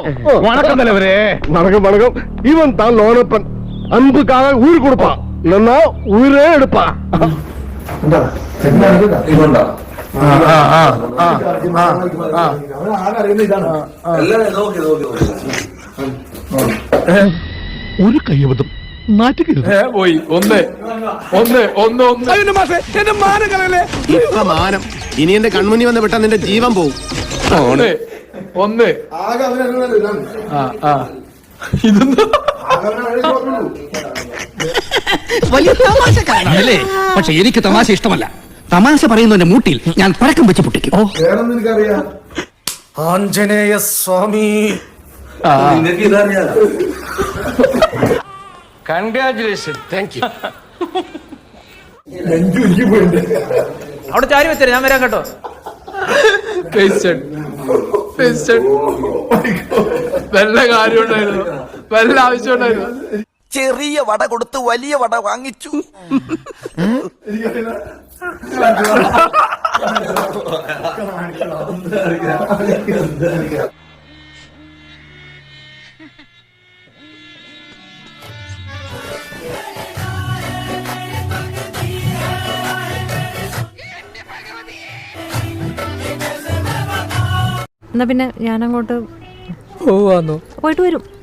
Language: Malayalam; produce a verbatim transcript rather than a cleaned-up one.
வணக்கம் தலைவரே. வணக்கம் வணக்கம். இவன் தான் லோனப்பன். அன்புக்காக உயிர் கொடுப்பான், இல்லைன்னா உயிரே எடுப்பான். ഒരു കയ്യബദ്ധം നാറ്റുകരുത്. പോയി ഒന്ന് ഒന്ന് ഒന്ന് ഒന്ന് എന്റെ മാനം കളയല്ലേ. ഇപ്പൊ മാനം ഇനി എന്റെ കൺമുന്നി വന്ന് വിട്ടാ നിന്റെ ജീവൻ പോവും. ഒന്ന് ഒന്ന് ഇതൊന്നും വലിയ തമാശക്കാരനല്ലേ? പക്ഷെ എനിക്ക് തമാശ ഇഷ്ടമല്ല. തമാശ പറയുന്നതിന്റെ മൂട്ടിൽ ഞാൻ പഴക്കം വെച്ച് പൊട്ടിക്കും. Anjaneya Swami. Congratulation. Thank you. അവിടെ ചാരി വെച്ചേ, ഞാൻ വരാം കേട്ടോ. വല്ല കാര്യം ഉണ്ടായിരുന്നു, വല്ല ആവശ്യം ഉണ്ടായിരുന്നു. ചെറിയ വട കൊടുത്ത് വലിയ വട വാങ്ങിച്ചു. എന്നാ പിന്നെ ഞാൻ അങ്ങോട്ട് പോവാന്നോ? പോയിട്ട് വരും.